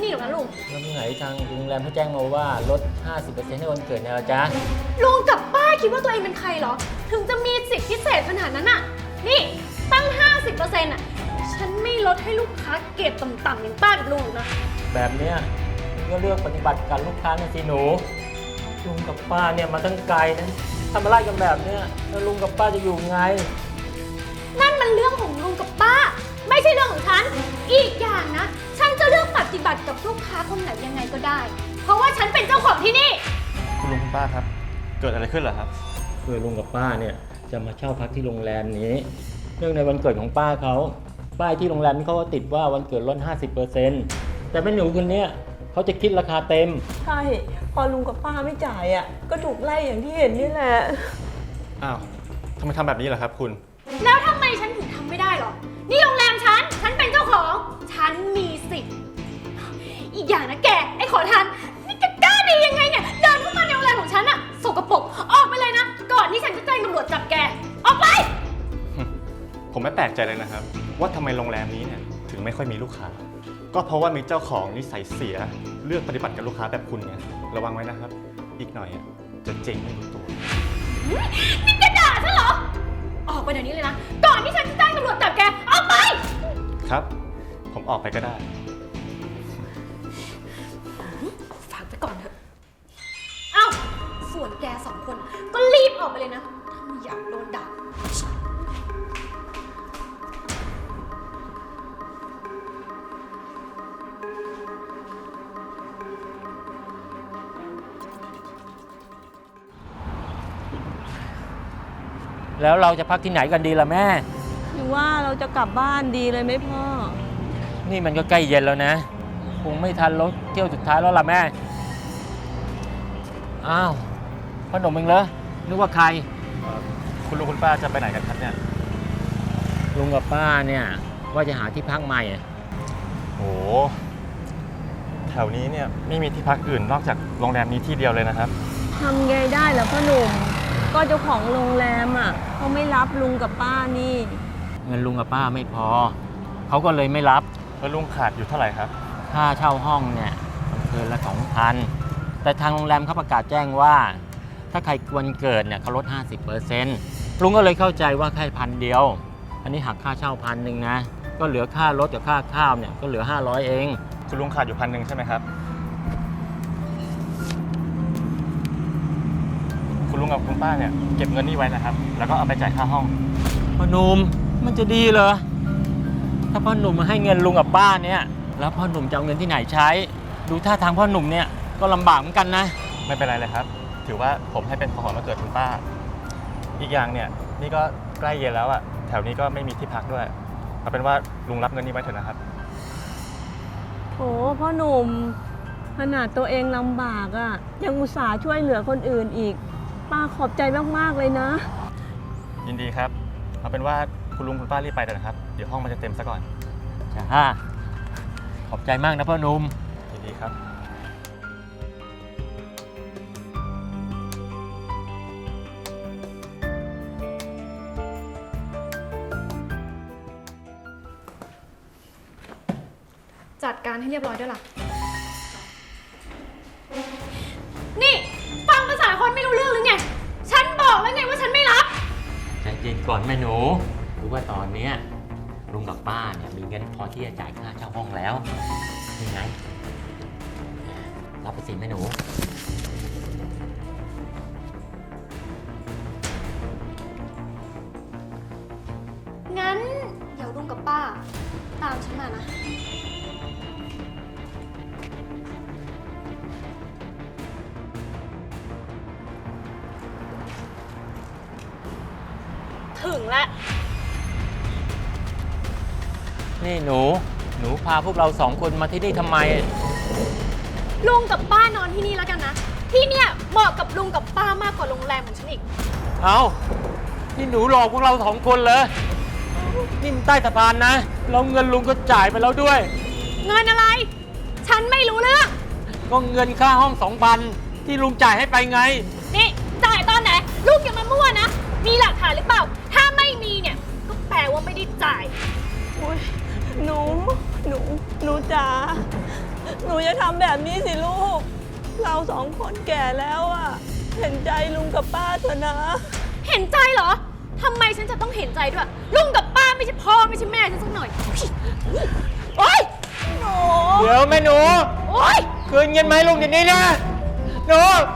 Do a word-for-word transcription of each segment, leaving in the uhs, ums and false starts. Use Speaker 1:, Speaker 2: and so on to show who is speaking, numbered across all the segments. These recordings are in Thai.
Speaker 1: นี่หรอกนะลุง
Speaker 2: แล้วที่ไหนทางโรงแรมเขาแจ้งมาว่าลด ห้าสิบเปอร์เซ็นต์ ให้วันเกิดเนี่ยเหรอจ๊ะ
Speaker 1: ลุงกับป้าคิดว่าตัวเองเป็นใครเหรอ ถึงจะมีสิทธิพิเศษขนาดนั้นน่ะ นี่ตั้ง ห้าสิบเปอร์เซ็นต์ อ่ะ ฉันไม่ลดให้ลูกค้าเกรดต่ำๆอย่างป้ากับลุงนะ
Speaker 2: แบบเนี้ยก็เลือกปฏิบัติกับลูกค้านะสิหนูลุงกับป้าเนี่ยมาตั้งไกลนะทำอะไรกันแบบเนี้ยแล้วลุงกับป้าจะอยู่ไง
Speaker 1: นั่นมันเรื่องของลุงกับป้า ไม่ใช่เรื่องของฉัน อีกอย่างนะ ฉันจะเลือกปฏิบัติกับลูกค้าคนไหนยังไงก็ได้ เพราะว่าฉันเป็นเจ้าของที่นี่
Speaker 3: คุณลุงคุณป้าครับ เกิดอะไรขึ้นเหรอครับ
Speaker 2: คือลุงกับป้าเนี่ยจะมาเช่าพักที่โรงแรมนี้เนื่องในวันเกิดของป้าเขาป้ายที่โรงแรมเขาก็ติดว่าวันเกิดลด ห้าสิบเปอร์เซ็นต์ แต่แม่หนูคนเนี้ยเขาจะคิดราคาเต็ม
Speaker 4: ใช่ พอลุงกับป้าไม่จ่ายอ่ะ ก็ถูกไล่อย่างที่เห็นนี่แหละ
Speaker 3: อ้าวทำไมทำแบบนี้ล่ะครับคุณ
Speaker 1: แล้วทำไมฉันถึงทำไม่ได้หรอ นี่โรงแรมฉัน ฉันเป็นเจ้าของ ฉันมีสิทธิ์ อีกอย่างนะแก ไอ้ขอทาน นี่แกกล้าดียังไงเนี่ย เดินเข้ามาในโรงแรมของฉันอะสกปรกออกไปเลยนะ ก่อนที่ฉันจะแจ้งตำรวจจับแก ออกไป
Speaker 3: ผมไม่แปลกใจเลยนะครับ ว่าทำไมโรงแรมนี้เนี่ยถึงไม่ค่อยมีลูกค้า ก็เพราะว่ามีเจ้าของนิสัยเสียเลือกปฏิบัติกับลูกค้าแบบคุณไงระวังไว้นะครับ อีกหน่อยอะจะเจ๊งไม่รู้ตัว
Speaker 1: นี่แกด่าฉันเหรอ ออกไปเดี๋ยวนี้เลยนะ ก่อนที่ฉันจะแจ้งตำรวจจับแก ออกไป
Speaker 3: ครับ ผมออกไปก็ได้
Speaker 1: ฝากไปก่อนเถอะ เอ้า ส่วนแกสองคนก็รีบออกไปเลยนะ ถ้าไม่อยากโดนด่า
Speaker 2: แล้วเราจะพักที่ไหนกันดีล่ะแม่
Speaker 4: หรือว่าเราจะกลับบ้านดีเลยไหมพ่อ
Speaker 2: นี่มันก็ใกล้เย็นแล้วนะคงไม่ทันรถเที่ยวสุดท้ายแล้วล่ะแม่อ้าวขนมเองเหรอนึกว่าใคร
Speaker 3: คุณลุงคุณป้าจะไปไหนกันครับเนี่ย
Speaker 2: ลุงกับป้าเนี่ยว่าจะหาที่พักใหม่อะ
Speaker 3: โอ้แถวนี้เนี่ยไม่มีที่พักอื่นนอกจากโรงแรมนี้ที่เดียวเลยนะครับ
Speaker 4: ทำไงได้ล่ะพ่อหนุ่ม ก็เจ้าของโรงแรมอ่ะเขาไม่รับลุงกับป้านี่
Speaker 2: เงินลุงกับป้าไม่พอเขาก็เลยไม่รับ
Speaker 3: แล้วลุงขาดอยู่เท่าไหร่ครับ
Speaker 2: ค่าเช่าห้องเนี่ยคืนละสองพันแต่ทางโรงแรมเขาประกาศแจ้งว่า ถ้าใครวันเกิดเนี่ยเขาลด ห้าสิบเปอร์เซ็นต์ ลุงก็เลยเข้าใจว่าแค่พันเดียว อันนี้หักค่าเช่าพันหนึ่งนะ ก็เหลือค่ารถกับค่าข้าวเนี่ยก็เหลือห้าร้อยเอง
Speaker 3: คุณลุงขาดอยู่พันหนึ่งใช่ไหมครับ คุณลุงกับคุณป้าเนี่ยเก็บเงินนี่ไว้นะครับ แล้วก็เอาไปจ่ายค่าห้อง
Speaker 2: พ่อหนุ่มมันจะดีเหรอถ้าพ่อหนุ่มมาให้เงินลุงกับป้าเนี่ยแล้วพ่อหนุ่มจะเอาเงินที่ไหนใช้ ดูท่าทางพ่อหนุ่มเนี่ยก็ลำบากเหมือนกันนะ
Speaker 3: ไม่เป็นไรเลยครับ ถือว่าผมให้เป็นของขวัญวันเกิดคุณป้า อีกอย่างเนี่ยนี่ก็ใกล้เย็นแล้วอะแถวนี้ก็ไม่มีที่พักด้วยเอาเป็นว่าลุงรับเงินนี้ไว้เถอะนะครับ
Speaker 4: โถพ่อหนุ่ม ขนาดตัวเองลำบากอ่ะ ยังอุตส่าห์ช่วยเหลือคนอื่นอีก ป้าขอบใจมากๆเลยนะ
Speaker 3: ยินดีครับ เอาเป็นว่าคุณลุงคุณป้ารีบไปเถอะนะครับ เดี๋ยวห้องมันจะเต็มซะก่อน
Speaker 2: จ้าขอบใจมากนะพ่อหนุ่ม
Speaker 3: ยินดีครับ
Speaker 1: จัดการให้เรียบร้อยด้วยล่ะ นี่ฟังภาษาคนไม่รู้เรื่องหรือไง ฉันบอกแล้วไงว่าฉันไม่รับ
Speaker 2: ใจเย็นก่อนแม่หนูรู้ว่าตอนเนี้ยลุงกับป้าเนี่ยมีเงินพอที่จะจ่ายค่าเช่าห้องแล้วนี่ไงรับไปสิแม่หนู
Speaker 1: งั้นเดี๋ยวลุงกับป้า ตามฉันมานะ ถึงแล้ว
Speaker 2: นี่หนูหนูพาพวกเราสองคนมาที่นี่ทำไม
Speaker 1: ลุงกับป้านอนที่นี่แล้วกันนะ ที่เนี่ยเหมาะกับลุงกับป้ามากกว่าโรงแรมของฉันอีก
Speaker 2: เอานี่หนูหลอกพวกเราสองคนเลยนี่มันใต้สะพานนะแล้วเงินลุงก็จ่ายไปแล้วด้วย
Speaker 1: เงินอะไร ฉันไม่รู้เรื่อง
Speaker 2: ก็เงินค่าห้องสองพันที่ลุงจ่ายให้ไปไง
Speaker 1: นี่จ่ายตอนไหน ลูกอย่ามามั่วนะ มีหลักฐานหรือเปล่า ถ้าไม่มีเนี่ย ก็แปลว่าไม่ได้จ่าย
Speaker 4: โอ๊ยหนู หนู หนูจ๋า หนูอย่าทำแบบนี้สิลูก เราสองคนแก่แล้วอะเห็นใจลุงกับป้าเถอะนะ
Speaker 1: เห็นใจเหรอ ทำไมฉันจะต้องเห็นใจด้วย ลุงกับป้าไม่ใช่พ่อไม่ใช่แม่ฉันสักหน่อย โอ๊ย
Speaker 4: หนู
Speaker 2: เดี๋ยวแม่หนู
Speaker 1: โอ๊ย
Speaker 2: คืนเงินไหมาให้ลุงเดี๋ยวนี้นะหนู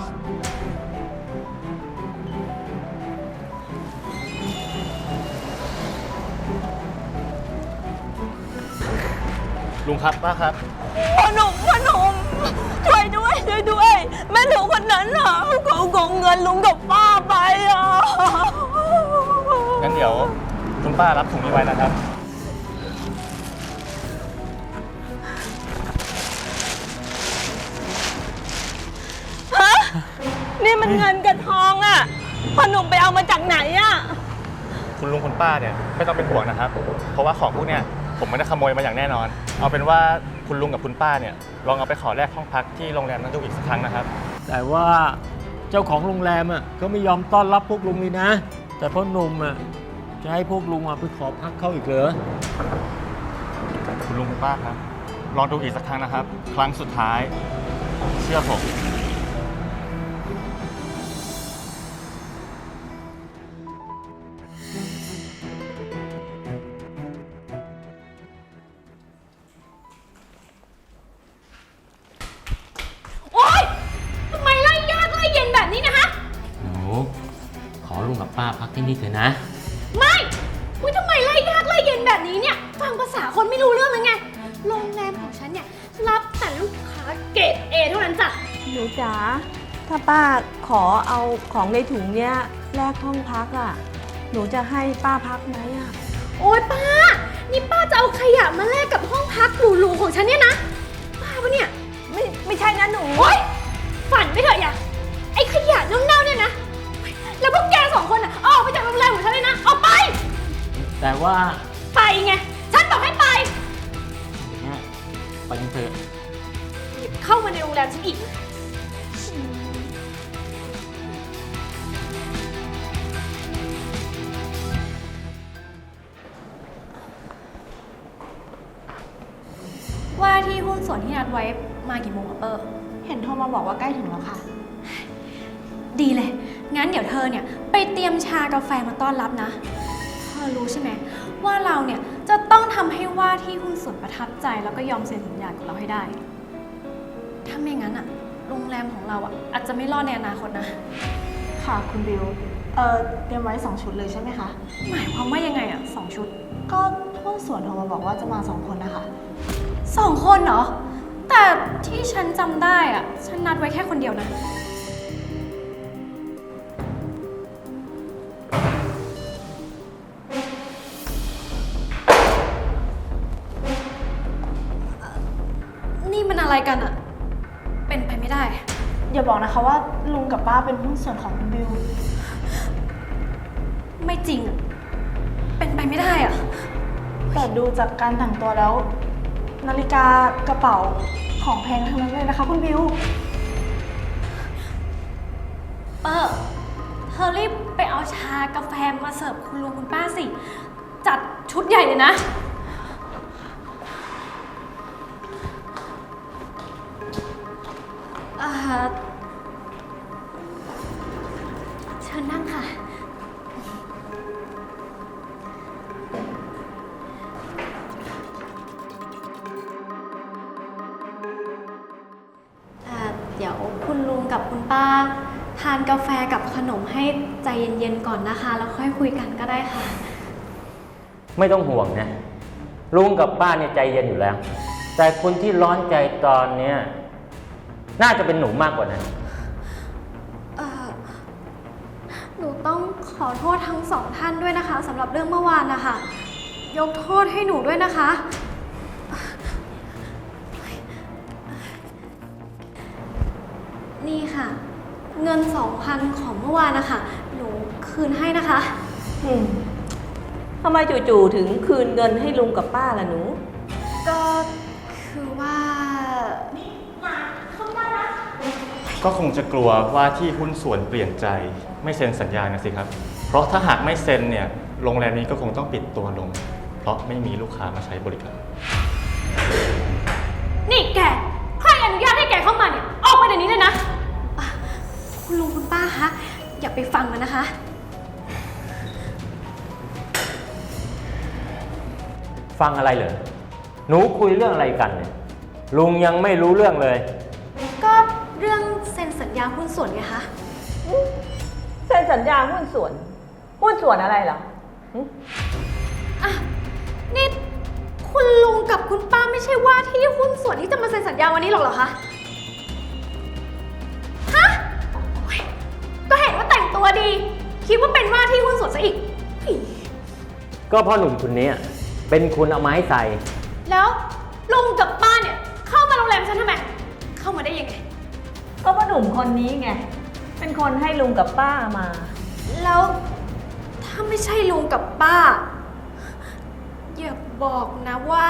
Speaker 3: ลุงครับป้าครับ
Speaker 4: พ่อหนุ่มพ่อหนุ่มช่วยด้วยช่วยด้วย แม่หนูคนนั้นน่ะเขาโกงเงินลุงกับป้าไปอ่ะ
Speaker 3: งั้นเดี๋ยวคุณป้ารับถุงนี้ไว้นะครับ
Speaker 4: ฮะ นี่มันเงินกับทองอ่ะพ่อหนุ่มไปเอามาจากไหนอ่ะ
Speaker 3: คุณลุงคุณป้าเนี่ยไม่ต้องเป็นห่วงนะครับ เพราะว่าของพวกเนี่ยผมไม่ได้ขโมยมาอย่างแน่นอน เอาเป็นว่าคุณลุงกับคุณป้าเนี่ยลองเอาไปขอแลกห้องพักที่โรงแรมนั้นดูอีกสักครั้งนะครับ
Speaker 2: แต่ว่าเจ้าของโรงแรมอ่ะก็ไม่ยอมต้อนรับพวกลุงเลยนะ แต่พ่อหนุ่มอ่ะจะให้พวกลุงอ่ะไปขอพักเขาอีกเหรอ
Speaker 3: คุณลุงคุณป้าครับ ลองดูอีกสักครั้งนะครับ ครั้งสุดท้าย เชื่อผม
Speaker 1: โอ๊ย ทำไมไล่ยากไล่เย็นแบบนี้นะคะ
Speaker 2: หนูขอลุงกับป้าพักที่นี่เถอะนะ
Speaker 1: ไม่อุ้ยทำไมไล่ยากไล่เย็นแบบนี้เนี่ย ฟังภาษาคนไม่รู้เรื่องเลยไง โรงแรมของฉันเนี่ยรับแต่ลูกค้าเกรดเอเท่านั้นจ้ะ
Speaker 4: หนูจ๋า ถ้าป้าขอเอาของในถุงเนี้ยแลกห้องพักอ่ะ หนูจะให้ป้าพักไหมอ่ะ
Speaker 1: โอ๊ยป้า นี่ป้าจะเอาขยะมาแลกกับห้องพักหรูๆของฉันเนี่ยนะ ป้าปะเนี่ย
Speaker 4: ไม่ไม่ใช่นะหนู
Speaker 1: โอ๊ย ฝันไปเถอะอย่าไอ้ขยะเน่าๆเนี่ยนะ แล้วพวกแกสองคนอ่ะออกไปจากโรงแรมของฉันเลยนะ ออกไป
Speaker 2: แต่ว่า
Speaker 1: ไปไง ฉันบอกให้ไป
Speaker 2: เนี่ยไปกันเถอะ
Speaker 1: อย่าเข้ามาในโรงแรมฉันอีก
Speaker 5: ว่าที่หุ้นส่วนที่นัดไว้มากี่โมงอะเปอร์เห็นโทรมาบอกว่าใกล้ถึงแล้วค่ะ ดีเลย งั้นเดี๋ยวเธอเนี่ยไปเตรียมชากาแฟมาต้อนรับนะ เธอรู้ใช่ไหมว่าเราเนี่ยจะต้องทำให้ว่าที่หุ้นส่วนประทับใจแล้วก็ยอมเซ็นสัญญากับเราให้ได้ ถ้าไม่งั้นอะโรงแรมของเราอะอาจจะไม่รอดในอนาคตนะ
Speaker 6: ค่ะคุณบิว เอ่อเตรียมไว้สองชุดเลยใช่ไหมคะ
Speaker 5: หมายความว่ายังไงอะสองชุด
Speaker 6: ก็หุ้นส่วนโทรมาบอกว่าจะมาสองคนนะคะ
Speaker 5: สองคนเหรอ แต่ที่ฉันจำได้อะฉันนัดไว้แค่คนเดียวนะ นี่มันอะไรกันอะเป็นไปไม่ได้
Speaker 6: อย่าบอกนะคะว่าลุงกับป้าเป็นหุ้นส่วนของคุณบิว
Speaker 5: ไม่จริงอะเป็นไปไม่ได้อะ
Speaker 6: แต่ดูจากการแต่งตัวแล้ว นาฬิกากระเป๋าของแพงทั้งนั้นเลยนะคะคุณบิว
Speaker 5: เปอร์เธอรีบไปเอาชากาแฟมาเสิร์ฟคุณลุงคุณป้าสิ จัดชุดใหญ่เลยนะ อ่า เชิญนั่งค่ะ อ่า เดี๋ยวคุณลุงกับคุณป้า ทานกาแฟกับขนมให้ใจเย็นๆก่อนนะคะ แล้วค่อยคุยกันก็ได้ค่ะ
Speaker 2: ไม่ต้องห่วงนะ ลุงกับป้าเนี่ยใจเย็นอยู่แล้ว แต่คนที่ร้อนใจตอนเนี้ยน่าจะเป็นหนูมากกว่านั้น
Speaker 5: เอ่อ หนูต้องขอโทษทั้งสองท่านด้วยนะคะสำหรับเรื่องเมื่อวานนะคะ ยกโทษให้หนูด้วยนะคะ นี่ค่ะ เงินสองพันของเมื่อวานนะคะ หนูคืนให้นะคะ
Speaker 4: อืมทำไมจู่ๆถึงคืนเงินให้ลุงกับป้าล่ะหนู
Speaker 5: ก็คือว่า
Speaker 3: ก็คงจะกลัวว่าที่หุ้นส่วนเปลี่ยนใจไม่เซ็นสัญญานะสิครับ เพราะถ้าหากไม่เซ็นเนี่ย โรงแรมนี้ก็คงต้องปิดตัวลงเพราะไม่มีลูกค้ามาใช้บริการ
Speaker 1: นี่แก ใครอนุญาตให้แกเข้ามาเนี่ย ออกไปเดี๋ยวนี้เลยนะ
Speaker 5: คุณลุงคุณป้าคะ อย่าไปฟังมันนะคะ
Speaker 2: ฟังอะไรเหรอ หนูคุยเรื่องอะไรกันเนี่ย ลุงยังไม่รู้เรื่องเลย
Speaker 5: ก็เรื่องเซ็นสัญญาหุ้นส่วนไงคะ
Speaker 4: เซ็นสัญญาหุ้นส่วน หุ้นส่วนอะไรเหรอหึ
Speaker 5: อ่ะ นี่คุณลุงกับคุณป้าไม่ใช่ว่าที่หุ้นส่วนที่จะมาเซ็นสัญญาวันนี้หรอกเหรอคะ ฮะโอ๊ยก็เห็นว่าแต่งตัวดี คิดว่าเป็นว่าที่หุ้นส่วนซะอีกอี
Speaker 2: ก็เพ่อหนุ่มคนนี้เป็นคุณเอาไม้ใส่
Speaker 1: แล้วลุงกับป้าเนี่ย เข้ามาโรงแรมฉันทำไม เข้ามาได้ยังไง
Speaker 4: ก็พ่อหนุ่มคนนี้ไง เป็นคนให้ลุงกับป้ามา
Speaker 5: แล้วถ้าไม่ใช่ลุงกับป้า อย่าบอกนะว่า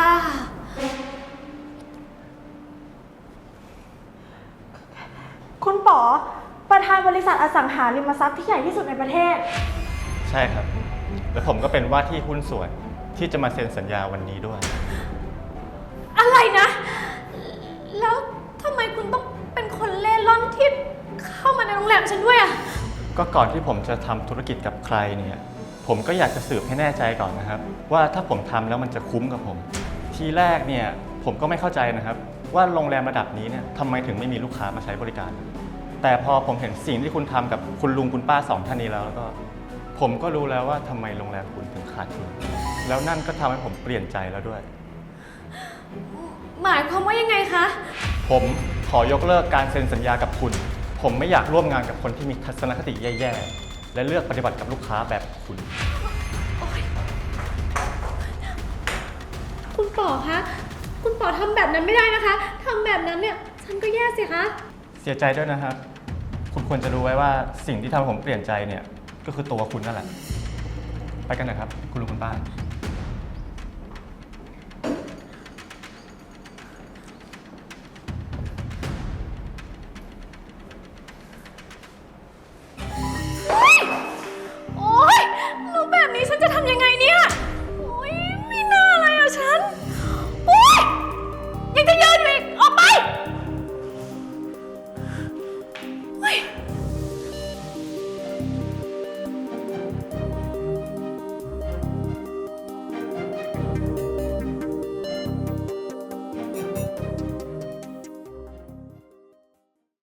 Speaker 6: คุณป๋อประธานบริษัทอสังหาริมทรัพย์ที่ใหญ่ที่สุดในประเทศ
Speaker 3: ใช่ครับ และผมก็เป็นว่าที่หุ้นส่วนที่จะมาเซ็นสัญญาวันนี้ด้วย
Speaker 1: อะไรนะ แล้วทำไมคุณต้องเป็นคนเล่ร่อนที่เข้ามาในโรงแรมฉันด้วยอะ
Speaker 3: ก็ก่อนที่ผมจะทำธุรกิจกับใครเนี่ย ผมก็อยากจะสืบให้แน่ใจก่อนนะครับ ว่าถ้าผมทำแล้วมันจะคุ้มกับผม ทีแรกเนี่ยผมก็ไม่เข้าใจนะครับ ว่าโรงแรมระดับนี้เนี่ยทำไมถึงไม่มีลูกค้ามาใช้บริการ แต่พอผมเห็นสิ่งที่คุณทำกับคุณลุงคุณป้าสองท่านนี้แล้วแล้วก็ ผมก็รู้แล้วว่าทำไมโรงแรมคุณถึงขาดทุนแล้วนั่นก็ทำให้ผมเปลี่ยนใจแล้วด้วย
Speaker 1: หมายความว่ายังไงคะ
Speaker 3: ผมขอยกเลิกการเซ็นสัญญากับคุณ ผมไม่อยากร่วมงานกับคนที่มีทัศนคติแย่ๆ และเลือกปฏิบัติกับลูกค้าแบบคุณ
Speaker 1: คุณป๋อคะ คุณป๋อทำแบบนั้นไม่ได้นะคะทำแบบนั้นเนี่ย ฉันก็แย่สิคะ
Speaker 3: เสียใจด้วยนะครับ คุณควรจะรู้ไว้ว่าสิ่งที่ทำให้ผมเปลี่ยนใจเนี่ยก็คือตัวคุณนั่นแหละ ไปกันนะครับ คุณลุงคุณป้า